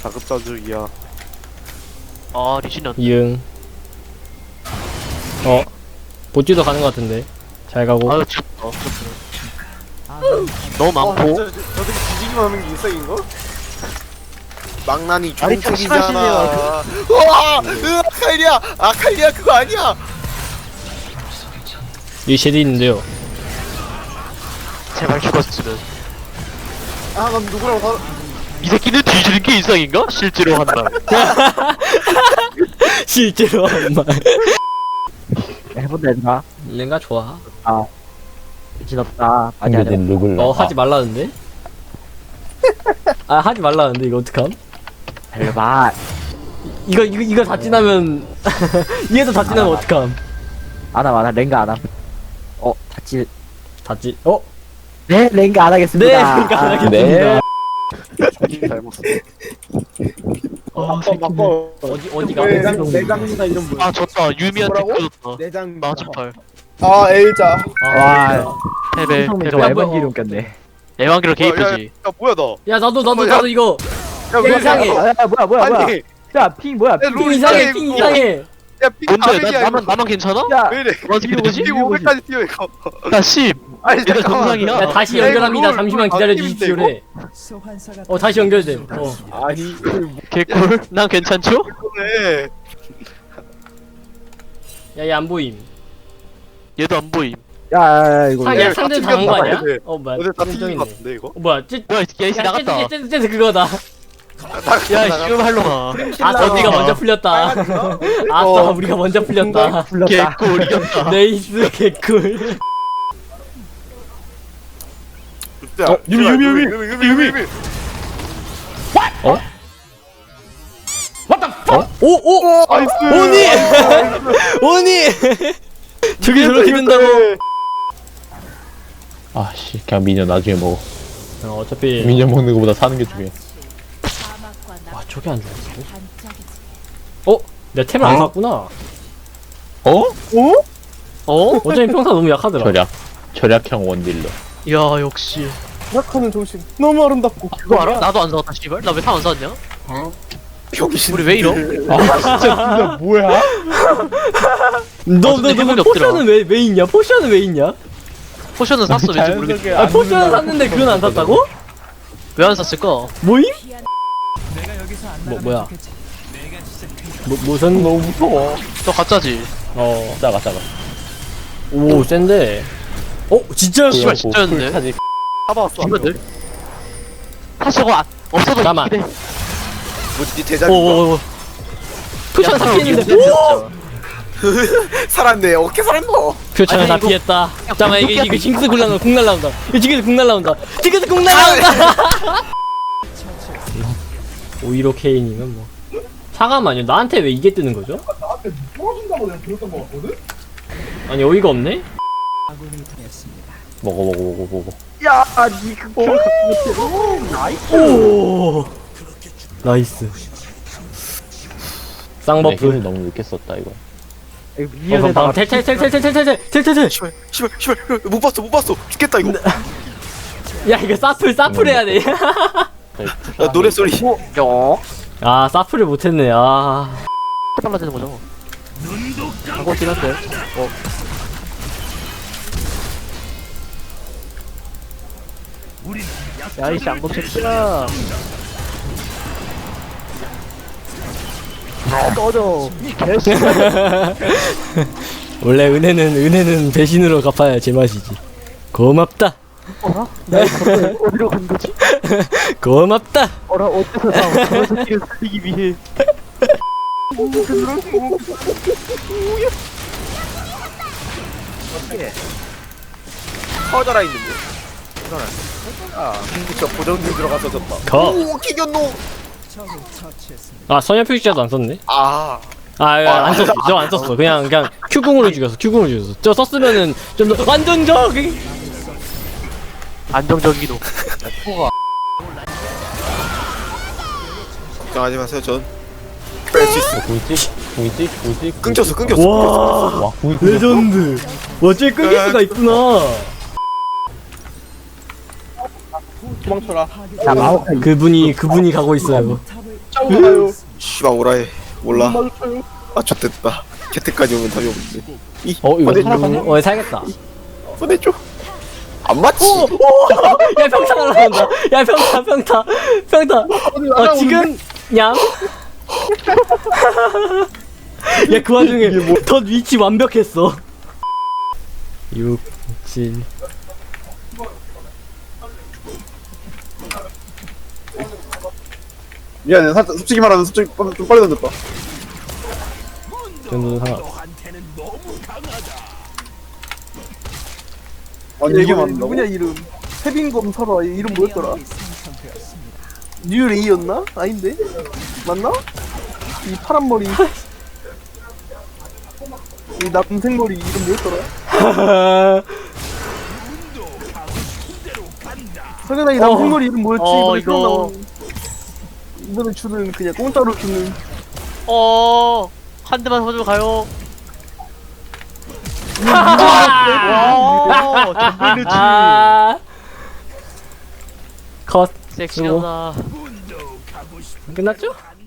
자급자족이야. 아 리신이 안 이응. 보찌도 가는 것 같은데. 잘 가고. 아유 졌다. 너무 많고. 저들이 뒤지기만 하는 게 일상인가? 망나니 아니, 좀 중국이잖아. 심하시네요. 우와! 칼리야! 아 칼리야 그거 아니야! 여기 쉐드 있는데요. 제발 죽었으면. 아 난 누구랑 다 이 새끼는 뒤지는 게 일상인가? 실제로 한다. 실제로 한 말. 해본다 얘들아. 랭가 좋아. 미친없다. 아니야. 르블. 하지 말라는데? 아 하지 말라는데 이거 어떡함? 봐. 이거 다 지나면 얘도 다 지나면 어떡함? 안함 랭가 안함. 다치. 다지. 네 랭가 안 네, 하겠습니다. 랭가 안 하겠습니다. 네. 잘못 써. 어, 어디가? 내장이나 이런 분. 아 졌다. 유미한테 뭐라고? 졌다. 내장. 나 첫팔. 아 L자. 와. 패배. 성민 저 패배. 에반 기름 꼈네. 애완기로 개이쁘지. 야 뭐야 너? 야 나도 이거 야 이상해. 뭐야. 아니 야 핑 뭐야? 야, 핑. 룰 이상해 이거. 이상해. 야 핑 뭔데? 가백이야, 나만 괜찮아? 야. 왜 이래? 어떻게 되지? 핑 500까지 뛰어 이거. 나 10. 아니 얘들 잠깐만. 정상이야. 야 다시 야, 연결합니다. 이거 잠시만 룰 기다려 바뀌는데, 주십시오래. 다시 연결돼. 아니 개꿀. 난 괜찮죠? 이거네. 야얘 안 보임. 얘도 안 보임. 야 이거. 야 야, 상대 다 당한 거 아니야? 튕겼나 뭐야? 어제 다 좀 튕긴 것 있네. 같은데 이거? 뭐야? 쟤 뭐야 얘 나갔다. 쟤 그거다. 야 지금 할로마. 아싸 우리가 먼저 풀렸다. 아싸 우리가 먼저 풀렸다. 불렀다. 개꿀 이겼다. 네이스 개꿀. 유미. 오오 나이스. 오니 저게 저렇게 된다고. 아씨, 그냥 미녀 나중에 먹어. 어차피 미녀 먹는 거보다 사는 게 중요해. 와 저게 안 죽었어. 내가 템을 안 샀구나. 어? 어차피 평타 너무 약하더라. 절약형 원딜러. 야 역시. 약하는 정신 너무 아름답고. 그거 알아? 나도 안 사왔다 씨발. 나 왜 다 안 사왔냐? 병신. 우리 왜 이러? 진짜 뭐야? 너 해본이 없더라. 포션은 왜 있냐? 포션은 왜 있냐? 포션은 샀어 왠지 모르겠어. 아 포션은 샀는데 그건 안 샀다고? 왜 안 샀을까? 뭐임? 뭐야? 무슨 너무 무서워. 너 가짜지? 작아. 오 센데. 진짜? 씨발, 진짜였네. 타지. 잡아왔어. 이거들? 사실 저거 없어도 잠깐만. 있긴 해. 뭐지 대장인 오 표창 다 야, 피했는데. 진짜. 살았네. 어떻게 살았노? 표창을 아니, 다 이거- 피했다. 잠깐만 이거 징크스 궁 날라온다. 이거 징크스 궁 날라온다. 징크스 궁 날라온다. 오이로 케이님은 뭐. 잠깐만요. 나한테 왜 이게 뜨는 거죠? 나한테 떨어진다고 내가 들었던 거 같거든? 아니 어이가 없네? 먹어. 야, 니 그거. 오 나이스. 쌍버프. 힘을 너무 늦게 썼다 이거. 미연에다가 텔텔텔텔텔텔텔텔텔. 씨발 못 봤어. 죽겠다 이거. 야 이거 사플 해야 돼. 야 노래 소리. 아 사플을 못했네. 아. 빨라지는 거죠. 하고긴 한데. 야 이씨 안검 새끼야. 꺼져. 원래 은혜는 배신으로 갚아야 제맛이지. 고맙다. 어디로 간 거지? 고맙다. 어디서 저 새끼를 살리기 위해. 커져라 있는데. 저 고정들 들어가서 졌다. 거. 오 기견노. 아 선야 표시자도 안 썼네. 아. 안 썼어. 저 안 썼어. 그냥 큐궁으로 죽였어. 저 썼으면은 좀 더 완전적. 안정적이도. 걱정하지 마세요. 전 뺄 수 있어. 보이지? 끊겼어. 와 와, 보이지? 레전드. 어째 끊길 수가 있구나. 도망쳐라. 야, 마오카 그분이 가고 있어요. 도망가요. 씨발 오라해. 몰라. 아 좋됐다. 캐트까지 오면 답이 없는데. 이거 보내줘. 살겠다. 보내줘. 안 맞지? 야 평타 날라간다. 야 평타. 지금 냠. 야 그 와중에 덧 위치 완벽했어. 6, 7. 미안해. 솔직히 말하면 좀 빨리 던졌다. 정도는 상관. 아니 이게 맞는다고? 누구냐 이름? 세빈검 설아 이름 뭐였더라? 뉴레이였나? 아닌데? 맞나? 이 파란 머리 이 남색 머리 이름 뭐였더라? 석연아 이 남색 머리 이름 뭐였지? 이번에 이거. 나온 이번에 주는 그냥 공짜로 주는 한 대만 서주고 가요. 아. 컷. 섹시하다. 끝났죠?